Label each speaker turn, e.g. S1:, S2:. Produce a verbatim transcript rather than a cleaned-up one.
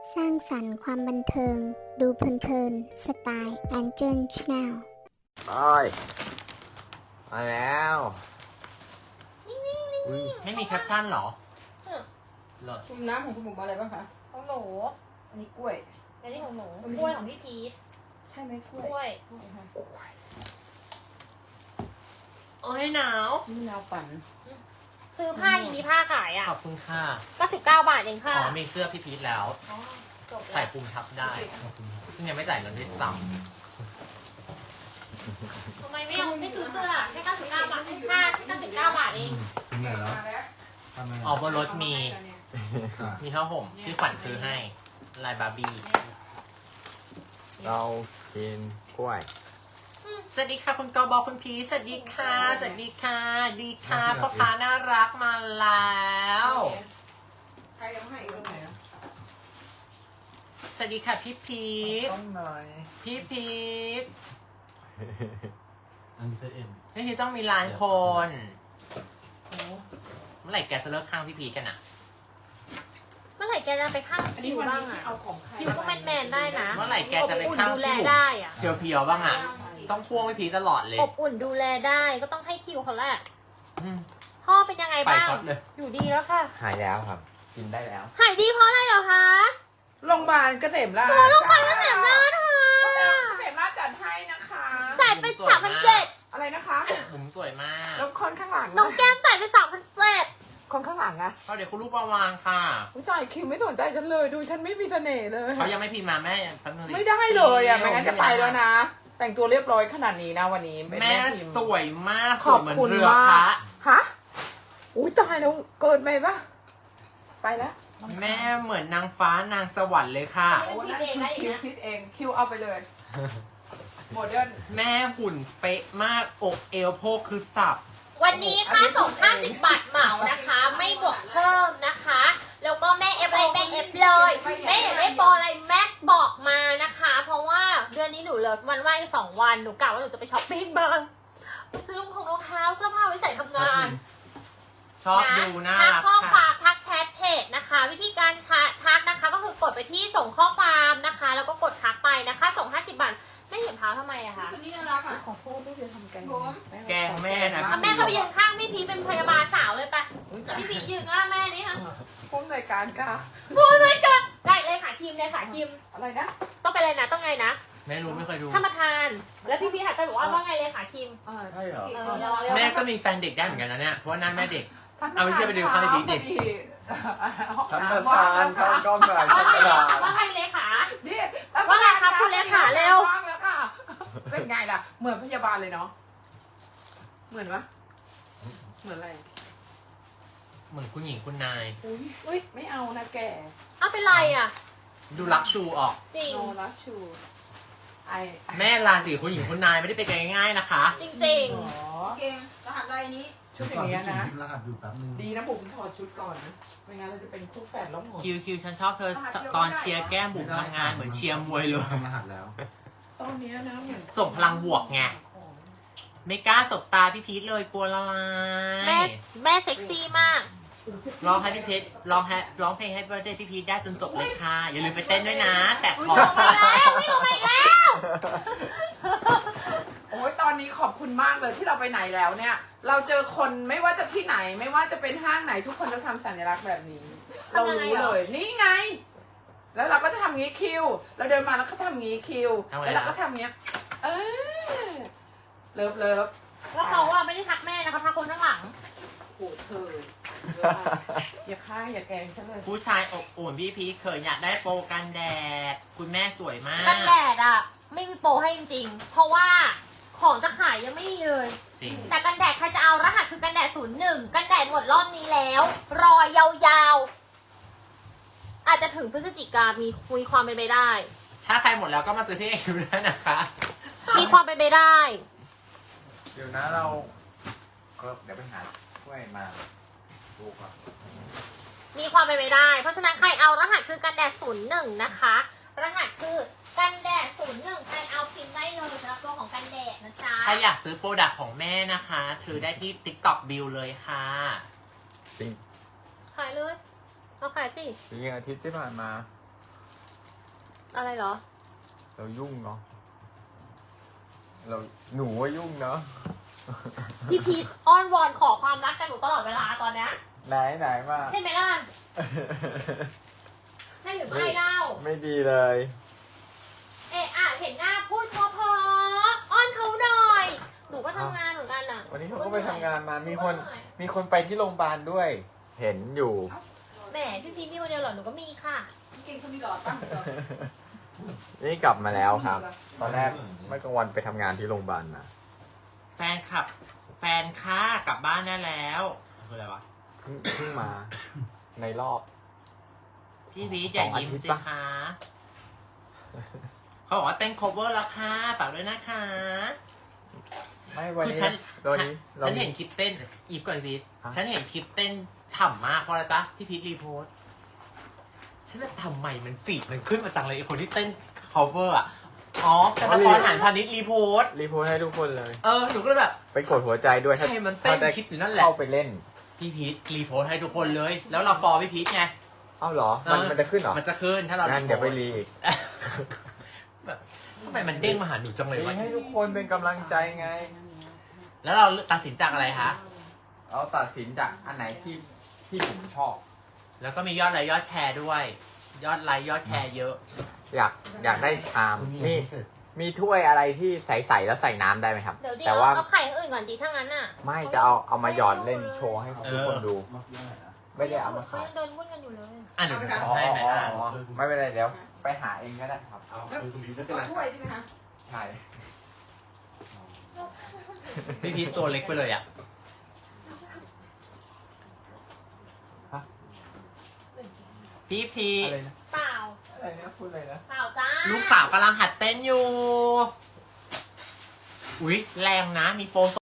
S1: สร้างสรรค์ความบันเทิง ดูเพลินๆ สไตล์แอนเจิลชาแนล
S2: ไปมาแล้วอุ๊ย
S3: ไม่มีแคปชั่นเหรอ
S4: เออ
S3: เลิศ
S5: ชุมน้ำของคุณหมูมาอะไรบ้างคะ
S4: ของหนู
S5: อันนี้กล้วย
S4: อันนี้ของหนู
S5: อันนี้
S4: กล้วยของพี่พีท
S5: ใช่ไหมกล้วย
S4: กล้วย
S5: กล้วยค่ะ
S3: โอ้ยหนาว
S5: นี่มะนาวปั่น
S4: ซื้อผ้าดีมีผ้าขายอ่ะ
S3: ขอบคุณค่ะ
S4: เก้าสิบเก้าบาทเองค่ะ
S3: อ๋อมีเสื้อพี่พีทแล้ว
S4: อ๋อจบ
S3: ใส่
S4: แล้ว
S3: ปุ่มทับได้ ซึ่งยังไม่จ่ายเงินด้วยซ้
S4: ทำไมไม่เอาไม่ซื้อเสื้อแค่เก้าสิบเก้าบาทให้ผ้าแค่เก้าสิบเก้าบาทเอง
S6: ถึงไหนแล้ว
S5: มาแล้ว
S6: ทำไม
S3: ำออกบนรถมี
S6: ค่ะ
S3: มีผ้าห่มที่ขวัญซื้อให้ ลายบาร์บี้
S2: เรากินกล้วย
S3: สวัสดีค่ะคุณกอบอคุณพีทสวัสดีค่ะ สวัสดีค่ะ ดีค่ะพ่อค้าน่ารักมาแล้ว
S5: ใครเอาให้อีกตรงไหนอ่ะ
S3: สวัสดีค่ะพี่พีท
S2: ต้องหน่อย
S3: พี่พีท
S6: อันนี้เซเอ็ม
S3: นี่ที่ต้องมีล้านคน
S5: โอ้
S3: เมื่อไหร่แกจะเลิกข้างพี่พีทกันอ่ะ
S4: เมื่อไหร่แกจะไปข้าง
S5: อันนี้
S4: คิว
S5: วัน
S4: บ้าง
S5: นี้
S4: อ่ะ
S5: เอาของใคร
S4: คิวก็แมนแมนๆได้นะ
S3: เมื่อไหร่แกจะไป
S4: อบอุ่น
S3: ข้าง
S4: ดูแล
S3: พี่บุ๋ม
S4: ได้อ่ะ
S3: เพียวๆบ้างอ่ะ ต้องพ่วงพี่พีทตลอดเลย
S4: อบอุ่นดูแลได้ก็ต้องให้คิวเขาแหละ
S3: อืม
S4: พ่อเป็นยังไงบ้าง
S3: ไปช็อตเลย
S4: อยู่ดีแล้วค่ะ
S2: หายแล้วครับ กินได้แล้ว
S4: หายดีเพราะอะไรเหรอคะ
S5: โรงพยาบาลเกษมราช
S4: โรงพยาบาลเกษมราชค่ะ
S5: เกษมราชจัดให้นะคะ
S4: จ่ายไปสามพันเจ็ด
S5: อะไรนะคะ
S3: บุ๋มสวยมาก
S5: แล้วคนข้างหลัง
S4: น้องแก้มจ่ายไปสามพันเจ็ด
S5: คนข้างหลังอะ
S3: เขาเดี๋ยวคุณลูกประวางค่ะ
S5: อุ้ยจ่ายคิวไม่สนใจฉันเลยดูฉันไม่มีเสน่ห์เลย
S3: เขายังไม่พิมพ์มาแม่แป๊บนึงดิ
S5: ไม่ได้เลยอะไม่งั้นจะไปแล้วนะ แต่งตัวเรียบร้อยขนาดนี้นะวันนี้เป็น
S3: แม่
S5: พิมพ์
S3: สวยมากส
S5: ข
S3: ว
S5: อย บ
S3: เหมือน
S5: คุณ
S3: เรือ
S5: มา
S3: พระ
S5: กฮะอุ้ยตายแล้วเกินไปปะไปแล้ว
S3: แม่เหมือนนางฟ้านางสวรรค์เลยค่ะ
S5: โอ้นั่นคือคิวคิดเองคิวเอาไปเลยโมเดิร์น
S3: แม่หุ่นเป๊ะมากอกเอวโพกคือสับ
S4: วันนี้ค่าส่งห้าสิบบาทเหมานะคะ ไม่บวกเพิ่มนะคะ แล้วก็แม่เอฟอะไรแม่เอฟเลย แม่อยากได้โปรอะไรแม่บอกมานะคะ เพราะว่าเดือนนี้หนูเหลือวันว่างอีกสองวัน หนูกะว่าหนูจะไปช้อปปิ้งบ้างไปซื้อรองเท้ารองเท้าเสื้อผ้าไว้ใส่ทำงาน
S3: ชอบดูน่า
S4: ทัก
S3: รัก
S4: ข้อค
S3: ค่ะ
S4: วามทักแชทเพจนะคะ วิธีการทักนะคะ ก็คือกดไปที่ส่งข้อความนะคะ แล้วก็กดทักไปนะคะ ส่งห้าสิบบาทไม่เห็นเท้าทำไมอะคะ
S5: ตัวนี้น่ารักอ่ะขอโทษไม่ได้ทำแกง
S3: แกงแม่นะ
S4: อ่ะแม่ก็ไปยืนข้างพี่พีชเป็นพยาบาลสาวเลยไปแล้วพี่พีชยืนข้างแม่นี่ค่ะ
S5: ผู้อำนวยการค่ะ
S4: พูดไม่กันได้เลยค่ะคิมเลยค่ะคิม
S5: อะไรนะ
S4: ต้องไปเลยนะต้องไงนะ
S3: แม่รู้ไม่เคยดู
S4: ท่านประธาน แล้วพี่พีชหันไปบอกว่าว่าไงเลยค่ะคิม
S5: อ่า
S2: ใช่เหรอ
S4: เออรอเร็ว
S3: แม่ก็มีแฟนเด็กได้เหมือนกันนะเนี่ย เพราะว่าหน้าแม่เด็ก เอาไม่เชื่อไปดูข้างในบิ๊กดิ
S2: ท่านประธานเข้ากล้องหน่อยท่านประธาน
S4: ว่าไงเลยค่ะ
S5: นี่
S4: ว่าไงครับคุณเลขาเร็ว
S5: ว่างแล้วค่ะ เป็นไงล่ะ เหมือนพยาบาลเลยเนาะ เหมือนปะเหมือนอะไร
S3: เหมือนคุณหญิงคุณนาย
S5: อุ้ยอุ้ยไม่เอานะแก
S4: เอาเป็นไรอ่ะ
S3: ดูรักชูออก
S4: จริง
S5: โนรัชชูไอ
S3: แม่ราศีคุณหญิงคุณนายไม่ได้ไปกันง่ายๆนะคะ
S4: จริง
S5: อ๋อ
S7: เกมรหัสอะไรนี้
S5: ชุดอย่างเงี้ยนะ
S6: รหัสอยู่แป๊บนึง
S5: ดีนะผมถอดชุดก่อนนะ ไม่งั้นเราจะเป็นคู่แฝดแล้วหมด
S3: คิวคิวฉันชอบเธอตอนเชียร์แก้มบุ๋มทำงานเหมือนเชียร์มวยเลย
S6: ทำรหัสแล้ว
S5: ตอนเนี้ยนะเหมือน
S3: ส่งพลังบวกไง ไม่กล้าสบตาพี่พีทเลยกลัวละลา
S4: ๆ แม่
S3: ย
S4: แม่เซ็กซี่มาก
S3: ร้องให้พี่พีทร้องให้ร้องเพลงให้เบอร์เดย์พี่พีทได้จนจบเลยค่ะ อย่าลืมไปเต้นด้วยนะ แต่ขอ
S4: ไปแล้วไม่ลงไปแล้ว
S5: โอ้ยตอนนี้ขอบคุณมากเลยที่เราไปไหนแล้วเนี่ย เราเจอคนไม่ว่าจะที่ไหน ไม่ว่าจะเป็นห้างไหนทุกคนจะทำสัญลักษณ์แบบนี้ เรารู้เลย นี่ไง แล้วเราก็จะทำงี้คิว เราเดินมาแล้วก็ทำงี้คิว แล้วเราก็ทำงี้ เออเลิฟเลิฟ
S4: แล้วเขาอะไม่ได้ทักแม่นะคะทักคนข้างหลัง
S5: โอ้เธออย่าฆ่าอย่าแกล้งฉันเลย
S3: ผู้ชายอบอุ่นพี่พีทเคยอยากได้โปรกันแดด คุณแม่สวยมาก
S4: กันแดดอะไม่มีโปรให้จริงๆ เพราะว่าของจะขายยังไม่มีเลย
S3: จริง
S4: แต่กันแดดใครจะเอารหัสคือกันแดดศูนย์หนึ่งกันแดดหมดรอบนี้แล้ว รอยาวๆ อาจจะถึงพฤศจิกามีมีความเป็นไปได้
S3: ถ้าใครหมดแล้วก็มาซื้อที่เอคิวได้นะคะ
S4: มีความเป็นไปได้
S2: เดี๋ยวนะเราก็เดี๋ยวไปหากล้วยมาดูก่อน
S4: มีความเป็นไปได้ เพราะฉะนั้นใครเอารหัสคือกันแดดศูนย์หนึ่งนะคะ รหัสคือกันแดดศูนย์หนึ่งใครเอาพิมพ์ได้เลยสำหรับตัวของกันแดดนะจ๊ะ
S3: ถ้าอยากซื้อโปรดักต์ของแม่นะคะถือได้ที่ TikTok Bill เลยค่ะ
S2: จริง
S4: ขายเลยเอาขายสิ
S2: จริงอาทิตย์ที่ผ่านมา
S4: อะไรเหรอ
S2: เรายุ่งเนาะเราหนูว่ายุ่งเนาะ
S4: พี่พีทอ้อนวอนขอความรักกันหนูตลอดเวลาตอนเนี้ย
S2: ไหนไหนมา
S4: ใช่ไหมล่ะใช่หรือไม่เล่า
S2: ไม่ดีเลย
S4: เอะอะเห็นหน้าพูดเพอๆอ้อนเขาหน่อย หนูก็ทำงานเหมือนกันอ่ะ
S2: วันนี้เขาก็ไปทำงานมามีคนมีคนไปที่โรงพยาบาลด้วย เห็นอยู่
S4: แหมพี่พีทมีคนเดียวเหรอหนูก็มีค่ะ
S7: พี่เก่งเขามีหลอดตั้งเหรอ
S2: นี่กลับมาแล้วครับ ตอนแรกเมื่อกลางวันไปทำงานที่โรงพยาบาลมา
S3: แฟนคลับ แฟนค่ากลับบ้านได้แล้วคืออะไรวะ
S2: เพิ่งเพิ่งมาในรอบ
S3: พี่พีชอย่ายิ้มสิคะ เขาบอกว่าเต้น cover แล้วค่ะฝากด้วยนะคะ
S2: ไม่วัน
S3: คือ
S2: นี้
S3: ฉัน
S2: วัน
S3: ฉัน
S2: นี้เรา
S3: ฉัน
S2: มี
S3: เห็นคลิปเต้น อีฟก่อนพีท
S2: ฮะ
S3: ฉันเห็นคลิปเต้นฉ่ำมากเพราะอะไรปะพี่พีทรีโพสต์ฉันว่าทำไมมันฟีดมันขึ้นมาจังเลยไอคนที่เต้น cover อ่ะ อ๋อธนพรหันพาณิชย์รีโพสต์
S2: รีโพสต์ให้ทุกคนเลย
S3: เออ หนูก็เลยแบบ
S2: ไปกดหัวใจด้วยถ้า
S3: ใครมันเต้น
S2: ถ้าได้
S3: คลิปอยู่นั่นแหละ
S2: เข้าไปเล่น
S3: พี่พีทรีโพสต์ให้ทุกคนเลย แล้วเราฟอลพี่พีทไง
S2: เอ้าเหรอ มัน
S3: เออ
S2: มันจะขึ้นเหรอ
S3: มันจะขึ้นถ้าเรา
S2: งั้นเดี๋ยวไปรีอีก
S3: แบบทำไมมันเด้งมาหาหนูจังเลยวะ
S2: รีให้ทุกคนเป็นกำลังใจไง
S3: แล้วเราตัดสินจากอะไรคะ
S2: เราตัดสินจากอันไหนที่ที่ผมชอบ
S3: แล้วก็มียอดไลค์ยอดแชร์ด้วย ยอดไลค์ยอดแชร์เยอะ
S2: อยากอยากได้ชามนี่มีถ้วยอะไรที่ใสๆแล้วใส่น้ำได้ไหมครับ
S4: เดี๋ยวดิ
S2: แต่
S4: เอา
S2: ว่า
S4: เอาไข่อย่างอื่นก่อนดีถ้างั้นอ่ะ
S2: ไม่จะเอาเอามาหยอดเล่นโชว์ให้ทุกคนดู
S6: มากยังไงนะ
S2: ไม่ได้เอามา
S4: เขา
S2: ขาย
S4: ยังเดินวุ่นกันอยู่เลย
S3: อ่ะเดี๋ยวหนู
S2: อ๋อ
S3: ทำให้ไหมอ่ะ
S2: อ๋อไม่เป็นไรเดี๋ยวไปหาเองก็ได้ครับ
S6: เอาคือคุณพีไม่
S7: ข
S6: เป็น
S7: อ
S6: ไร
S7: ถ้วยใช่ไหมคะ
S2: ใช่
S3: พี่พีทตัวเล็กไปเลยอ่ะ พี่พีท
S2: อะไรนะ
S4: เปล่า
S2: อะไรนะพูดอะไรนะ
S4: เปล่าจ้า
S3: ลูกสาวกำลังหัดเต้นอยู่ อุ๊ย แรงนะ มีโปร